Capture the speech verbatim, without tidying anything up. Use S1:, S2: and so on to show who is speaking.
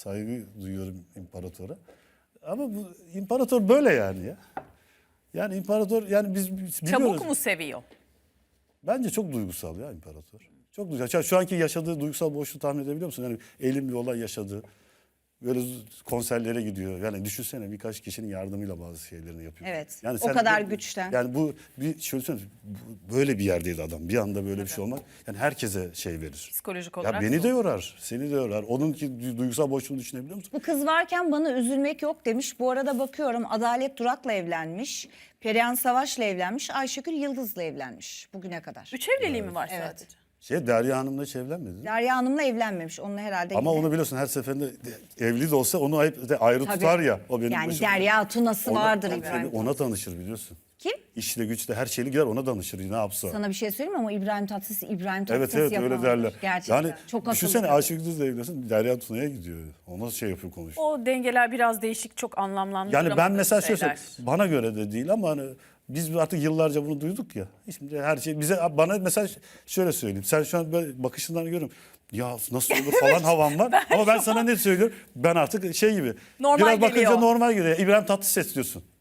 S1: saygı duyuyorum imparatora. Ama bu imparator böyle yani ya. Yani imparator yani biz, biz biliyoruz.
S2: Çabuk mu seviyor?
S1: Bence çok duygusal ya imparator. Çok duygusal. Şu anki yaşadığı duygusal boşluğu tahmin edebiliyor musun? Yani elim bir olay yaşadı. Böyle konserlere gidiyor. Yani düşünsene birkaç kişinin yardımıyla bazı şeylerini yapıyor.
S3: Evet.
S1: Yani
S3: O kadar güçten.
S1: Yani bu bir şöyle söyleyeyim. bu- Böyle bir yerdeydi adam. Bir anda böyle bir şey olmak. Yani herkese şey verir.
S2: Psikolojik
S1: Ya
S2: olarak.
S1: beni de
S2: zor.
S1: yorar. Seni de yorar. Onunki du- duygusal boşluğunu düşünebiliyor musun?
S3: Bu kız varken bana üzülmek yok demiş. Bu arada bakıyorum Adalet Durak'la evlenmiş. Perihan Savaş'la evlenmiş. Ayşegül Yıldız'la evlenmiş bugüne kadar.
S2: Üç evliliği mi var
S3: Evet.
S2: sadece?
S1: Şey Derya Hanım'la hiç evlenmedi.
S3: Derya Hanım'la evlenmemiş. Onunla herhalde
S1: Ama
S3: yine-
S1: onu biliyorsun her seferinde de- evli de olsa onu ayrı, de ayrı
S3: Tabii.
S1: tutar ya. O benim
S3: Yani
S1: başıma.
S3: Derya Tunası
S1: Ona-
S3: vardır
S1: tabii,
S3: İbrahim.
S1: Ona tanışır biliyorsun.
S3: Kim?
S1: İşle güçle her şeyi gider ona danışır ne yapsa.
S3: Sana bir şey söyleyeyim mi ama İbrahim Tatlıses İbrahim
S1: Evet
S3: Tatlıses
S1: evet öyle
S3: yapamamış.
S1: derler.
S3: Gerçekten.
S1: Yani
S3: Çok
S1: düşünsene
S3: akıllı.
S1: Ayşegül Düz'le evlensin Derya Tuna'ya gidiyor. Ona şey yapıyor konuşuyor.
S2: O dengeler biraz değişik, çok anlamlandıramadığım
S1: Yani ben mesela şöyle
S2: şeyler.
S1: söyleyeyim, bana göre de değil ama hani biz artık yıllarca bunu duyduk ya. Şimdi her şey bize bana mesela şöyle söyleyeyim. Sen şu an böyle bakışından görüyorum. Ya nasıl olur falan havan var. Ama ben sana ne söylüyorum? Ben artık şey gibi.
S2: Normal
S1: biraz bakınca
S2: geliyor.
S1: normal geliyor. İbrahim Tatlıses diyorsun.